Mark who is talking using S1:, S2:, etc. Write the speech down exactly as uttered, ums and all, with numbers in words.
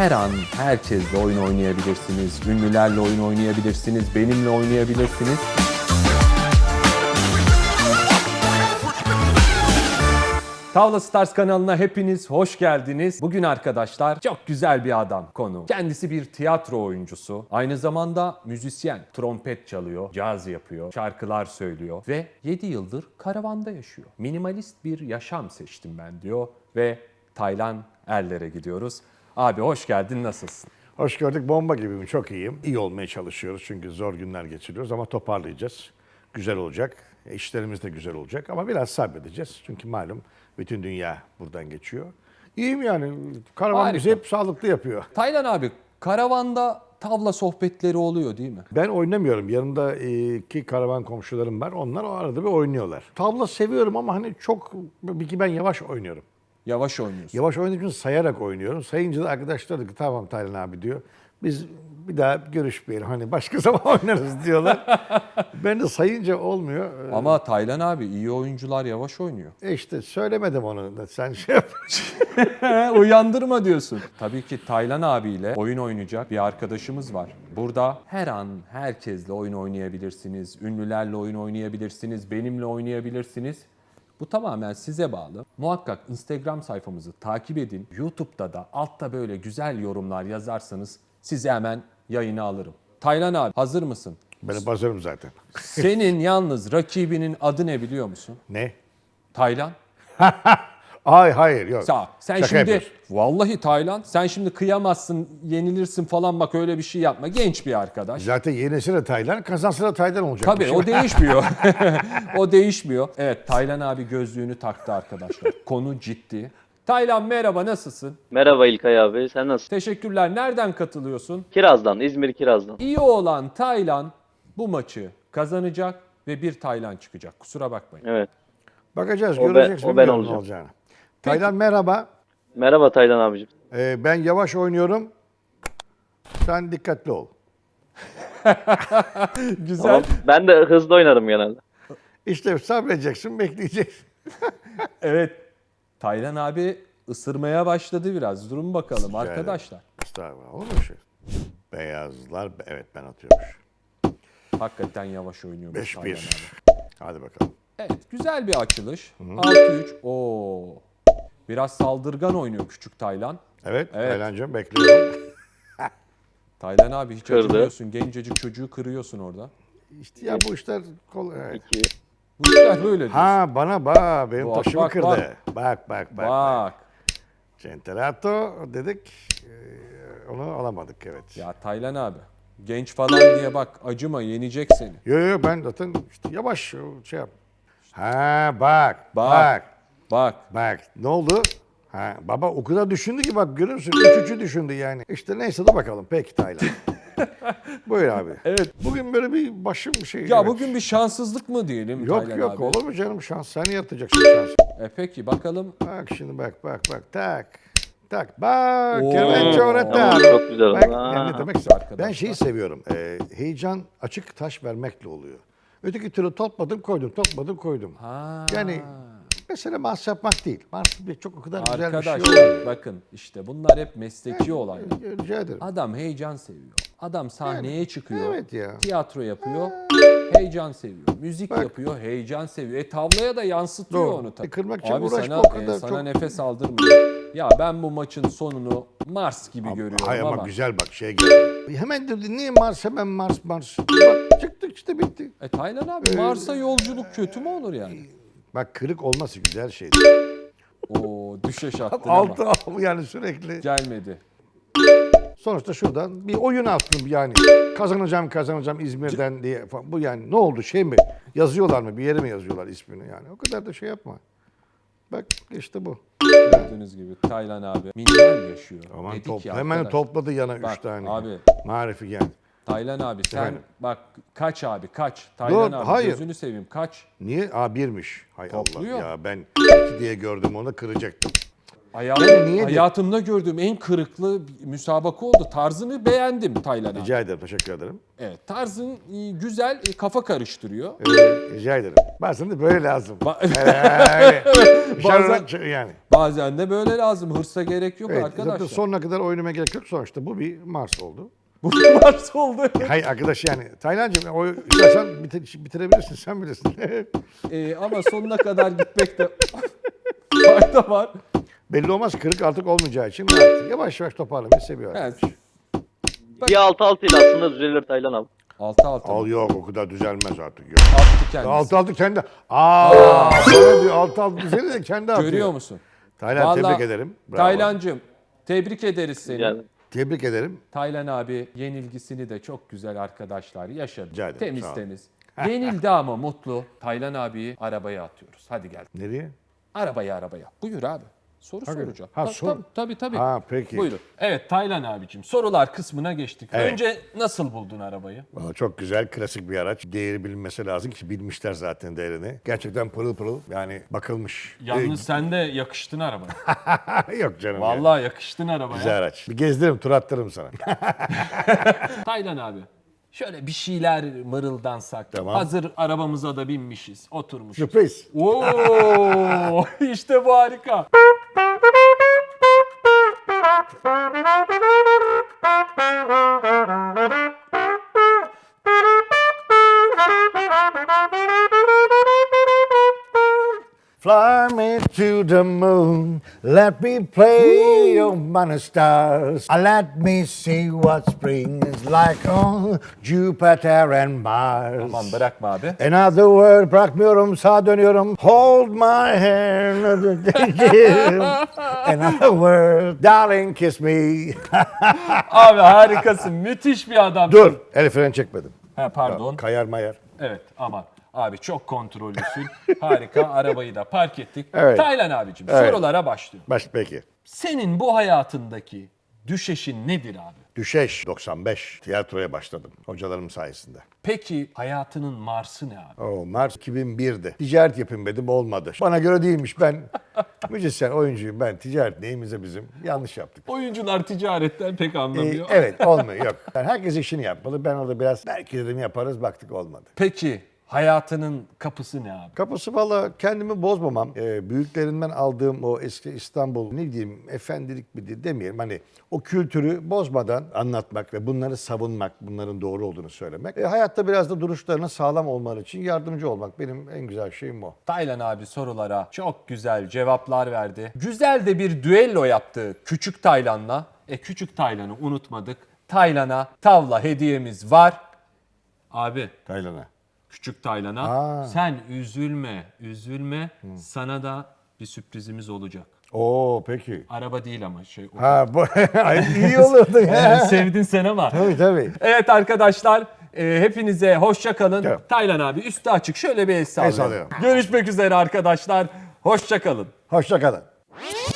S1: her an herkesle oyun oynayabilirsiniz. Ünlülerle oyun oynayabilirsiniz. Benimle oynayabilirsiniz. Tavla Stars kanalına hepiniz hoş geldiniz. Bugün arkadaşlar çok güzel bir adam konu. Kendisi bir tiyatro oyuncusu. Aynı zamanda müzisyen. Trompet çalıyor, caz yapıyor, şarkılar söylüyor ve yedi yıldır karavanda yaşıyor. Minimalist bir yaşam seçtim ben diyor ve Taylan Erler'e gidiyoruz. Abi hoş geldin, nasılsın?
S2: Hoş gördük. Bomba gibiyim. Çok iyiyim. İyi olmaya çalışıyoruz çünkü zor günler geçiriyoruz ama toparlayacağız. Güzel olacak. İşlerimiz de güzel olacak ama biraz sabredeceğiz. Çünkü malum bütün dünya buradan geçiyor. İyiyim yani. Karavan bizi hep sağlıklı yapıyor.
S1: Taylan abi, karavanda tavla sohbetleri oluyor değil mi?
S2: Ben oynamıyorum. Yanımda iki karavan komşularım var. Onlar o arada bir oynuyorlar. Tavla seviyorum ama hani çok... Bir ki ben yavaş oynuyorum.
S1: Yavaş oynuyorsun.
S2: Yavaş oynadığım için sayarak oynuyorum. Sayınca da arkadaşlar diyor ki tamam Taylan abi diyor. Biz bir daha görüşmeyelim. Hani başka zaman oynarız diyorlar. Ben de sayınca olmuyor.
S1: Ama Taylan abi, iyi oyuncular yavaş oynuyor.
S2: E işte söylemedim onu. Sen şey yap.
S1: Uyandırma diyorsun. Tabii ki Taylan abiyle oyun oynayacak bir arkadaşımız var. Burada her an herkesle oyun oynayabilirsiniz. Ünlülerle oyun oynayabilirsiniz. Benimle oynayabilirsiniz. Bu tamamen size bağlı. Muhakkak Instagram sayfamızı takip edin. YouTube'da da altta böyle güzel yorumlar yazarsanız sizi hemen yayına alırım. Taylan abi, hazır mısın?
S2: Ben hep hazırım zaten.
S1: Senin yalnız rakibinin adı ne biliyor musun?
S2: Ne?
S1: Taylan.
S2: Ay hayır yok.
S1: Sağ. Sen
S2: Şaka
S1: şimdi
S2: yapıyorsun.
S1: vallahi Taylan, sen şimdi kıyamazsın, yenilirsin falan, bak öyle bir şey yapma. Genç bir arkadaş.
S2: Zaten yenisi de Taylan, kazansı da Taylan olacak.
S1: Tabii o değişmiyor. O değişmiyor. Evet, Taylan abi gözlüğünü taktı arkadaşlar. Konu ciddi. Taylan merhaba, nasılsın?
S3: Merhaba İlkay abi, sen nasılsın?
S1: Teşekkürler. Nereden katılıyorsun?
S3: Kiraz'dan, İzmir Kiraz'dan.
S1: İyi olan Taylan bu maçı kazanacak ve bir Taylan çıkacak. Kusura bakmayın.
S3: Evet.
S2: Bakacağız,
S3: O ben-
S2: göreceksin.
S3: o ben
S2: bilmiyorum ne
S3: olacağım.
S2: olacağını. Taylan merhaba.
S3: Merhaba Taylan abicim.
S2: Ee, ben yavaş oynuyorum. Sen dikkatli ol.
S1: Güzel.
S3: Ama ben de hızlı oynarım genelde.
S2: İşte sabredeceksin, bekleyeceksin.
S1: Evet. Taylan abi ısırmaya başladı biraz. Durun bakalım
S2: ederim.
S1: arkadaşlar.
S2: Estağfurullah. Olur mu şey? Beyazlar, evet ben atıyormuş.
S1: Hakikaten yavaş oynuyormuş
S2: beş
S1: Taylan
S2: bir.
S1: abi.
S2: Hadi bakalım.
S1: Evet, güzel bir açılış. altı üç. Oo. Biraz saldırgan oynuyor küçük Taylan.
S2: Evet,
S1: Evet.
S2: Taylancığım bekliyorum.
S1: Taylan abi hiç
S3: Kırdı.
S1: acımıyorsun. Gencecik çocuğu kırıyorsun orada.
S2: İşte ya bu işler kolay. Evet.
S3: İki.
S1: Bu işler böyle diyorsun.
S2: Ha bana bak, benim
S1: Bak,
S2: taşımı
S1: bak,
S2: kırdı.
S1: bak.
S2: Bak bak bak.
S1: Bak.
S2: Centerato dedik, e, onu alamadık evet.
S1: Ya Taylan abi, genç falan diye bak, acıma, yenecek seni.
S2: Yo yo ben zaten işte yavaş şey yap. Ha bak,
S1: Bak.
S2: bak,
S1: Bak.
S2: bak. Ne oldu? Ha baba o kadar düşündü ki bak görüyor musun? Üç üçü düşündü yani. İşte neyse de bakalım. Peki Taylan. Buyur abi.
S1: Evet.
S2: Bugün böyle bir başım bir şey.
S1: Ya
S2: evet.
S1: bugün bir şanssızlık mı diyelim
S2: Yok
S1: Taylan
S2: yok
S1: abi?
S2: olur mu canım şans? Sen yaratacaksın şansı.
S1: E peki bakalım.
S2: Bak şimdi bak bak bak tak. Tak bak.
S1: Oo.
S2: Kemençe öğretti
S3: Tamam,
S2: abi.
S3: çok güzel oldu.
S2: Bak,
S3: Aa.
S2: yani ne demek
S1: Arkadaşlar.
S2: Ben şeyi seviyorum. E, heyecan açık taş vermekle oluyor. Öteki türlü topladım koydum, topladım koydum.
S1: Ha.
S2: Yani mesele mars yapmak değil. Mars bir çok o kadar güzel bir şey
S1: Arkadaşlar
S2: oluyor.
S1: bakın, işte bunlar hep mesleki olaylar.
S2: Rica ederim.
S1: Adam heyecan seviyor. Adam sahneye çıkıyor.
S2: evet ya.
S1: Tiyatro yapıyor. Heyecan seviyor. Müzik yapıyor. Heyecan seviyor. E tavlaya da yansıtıyor
S2: Doğru.
S1: onu tabii.
S2: E, kırmak için
S1: Abi
S2: uğraşma
S1: sana,
S2: o kadar
S1: e, sana
S2: çok-
S1: nefes aldırmıyor. Ya ben bu maçın sonunu Mars gibi görüyorum
S2: Hayır
S1: ama.
S2: ama güzel bak şey geldi. Hemen dedi niye Mars hemen Mars Mars. Bak çıktık işte bitti.
S1: E Taylan abi, Mars'a yolculuk kötü mü olur yani?
S2: Bak kırık olması güzel şey.
S1: Oo, düşeş attın ama
S2: Altı al yani sürekli.
S1: gelmedi.
S2: Sonuçta şuradan bir oyun attım yani. Kazanacağım kazanacağım İzmir'den diye falan. Bu yani ne oldu şey mi? Yazıyorlar mı? Bir yere mi yazıyorlar ismini yani? O kadar da şey yapma. Bak işte bu.
S1: Gördüğünüz gibi Taylan abi minimal yaşıyor.
S2: Aman
S1: Dedik
S2: top,
S1: ya
S2: hemen
S1: arkadaş.
S2: topladı yana
S1: Bak
S2: üç tane.
S1: abi.
S2: Marifi gel.
S1: Taylan abi sen
S2: Efendim?
S1: bak kaç abi kaç. Taylan
S2: Dur,
S1: abi
S2: hayır.
S1: gözünü seveyim kaç.
S2: Niye? Aa birmiş. Hay
S1: Topluyor.
S2: Allah ya ben iki diye gördüm onu kıracaktım.
S1: Hayatım,
S2: Yani niye diye-
S1: hayatımda gördüğüm en kırıklı bir müsabaka oldu. Tarzını beğendim Taylan abi.
S2: Rica ederim, teşekkür ederim.
S1: Evet, tarzın e, güzel, e, kafa karıştırıyor.
S2: Ee, rica ederim. Bazen de böyle lazım.
S1: Ba-
S2: Öyle.
S1: Bazen-
S2: Dışarıdan- yani.
S1: Bazen de böyle lazım. Hırsa gerek yok
S2: Evet, zaten
S1: arkadaşlar.
S2: sonuna kadar oynamaya gerek yok. Sonuçta bu bir Mars oldu.
S1: Bu Mars oldu.
S2: Hayır arkadaş yani. Taylancığım o istersen bite- bitirebilirsin, sen bilirsin.
S1: E, ama sonuna kadar gitmekte fayda var.
S2: Belli olmaz, kırık artık olmayacağı için rahat. Yavaş yavaş toparlamayı seviyor.
S1: Evet.
S3: Bir altı altı ile aslında düzelir Taylan abi.
S1: Altı altı.
S2: Al yok, o kadar düzelmez artık. Yok.
S1: Attı kendisi.
S2: Altı altı kendi. Aa, sana diyor altı altı düzeli de kendi atıyor.
S1: Görüyor musun?
S2: Taylan
S1: Vallahi-
S2: tebrik ederim. Bravo.
S1: Taylancığım tebrik ederiz seni.
S3: Yani
S2: Tebrik ederim.
S1: Taylan abi yenilgisini de çok güzel arkadaşlar yaşadı.
S2: Rica ederim,
S1: Temiz
S2: sağ ol.
S1: temiz. Yenildi ama mutlu. Taylan abiyi arabaya atıyoruz. Hadi gel.
S2: Nereye?
S1: Arabaya arabaya. Buyur abi. Soru soracağım.
S2: Ha,
S1: Ta-
S2: sor.
S1: Tabii tabii. tabii.
S2: Ha, peki.
S1: Buyurun. Evet Taylan abicim sorular kısmına geçtik.
S2: Evet.
S1: Önce nasıl buldun arabayı?
S2: Vallahi çok güzel, klasik bir araç. Değeri bilinmesi lazım ki bilmişler zaten değerini. Gerçekten pırıl pırıl, yani bakılmış.
S1: Yalnız sen de yakıştın arabaya.
S2: Ee, yok canım ya.
S1: Vallahi yakıştın arabaya.
S2: Güzel araç. Bir gezdiririm, tur attırırım sana.
S1: Taylan abi. Şöyle bir şeyler mırıldansak.
S2: Tamam.
S1: Hazır arabamıza da binmişiz, oturmuşuz.
S2: Sürpriz.
S1: Oo, işte bu harika.
S2: Fly me to the moon, let me play among the stars. Uh, Let me see what spring is like on Jupiter and Mars.
S1: Aman bırakma abi.
S2: Another word, bırakmıyorum, sağa dönüyorum. Hold my hand. Another word, darling kiss me.
S1: Abi harikasın, müthiş bir adam.
S2: Dur, el freni çekmedim.
S1: Ha, pardon.
S2: Kayar mayar.
S1: Evet aman. Abi çok kontrollüsün. Harika. Arabayı da park ettik.
S2: Evet.
S1: Taylan abicim
S2: Evet.
S1: sorulara başlıyorum.
S2: Baş peki.
S1: Senin bu hayatındaki düşeşin nedir abi?
S2: Düşeş doksan beş. Tiyatroya başladım hocalarım sayesinde.
S1: Peki hayatının Mars'ı ne abi?
S2: O Mart iki bin birde. Ticaret yapayım dedim, olmadı. Bana göre değilmiş, ben müzisyen, oyuncuyum ben. Ticaret neyimize bizim? Yanlış yaptık.
S1: Oyuncular ticaretten pek
S2: Ee,
S1: anlamıyor.
S2: evet, olmuyor, yok. Yani herkes işini yapmalı. Ben orada biraz belki dedim yaparız, baktık olmadı.
S1: Peki hayatının kapısı ne abi?
S2: Kapısı valla kendimi bozmamam. Ee, büyüklerimden aldığım o eski İstanbul, ne diyeyim, efendilik bir de demeyelim. Hani o kültürü bozmadan anlatmak ve bunları savunmak, bunların doğru olduğunu söylemek. E, hayatta biraz da duruşlarına sağlam olmaları için yardımcı olmak benim en güzel şeyim o.
S1: Taylan abi sorulara çok güzel cevaplar verdi. Güzel de bir düello yaptı Küçük Taylan'la. E Küçük Taylan'ı unutmadık. Taylan'a tavla hediyemiz var. Abi
S2: Taylan'a.
S1: Küçük Taylan'a
S2: Aa.
S1: sen üzülme, üzülme. Sana da bir sürprizimiz olacak.
S2: Oo peki.
S1: Araba değil ama şey. o-
S2: Ha bu Ay, iyi olurdu
S1: Yani
S2: ya.
S1: sevdin sen ama.
S2: Tabii tabii.
S1: Evet arkadaşlar e, hepinize hoşça kalın.
S2: Evet.
S1: Taylan abi üstü açık şöyle bir el sallayalım.
S2: sallıyorum.
S1: Görüşmek üzere arkadaşlar. Hoşça kalın.
S2: Hoşça kalın.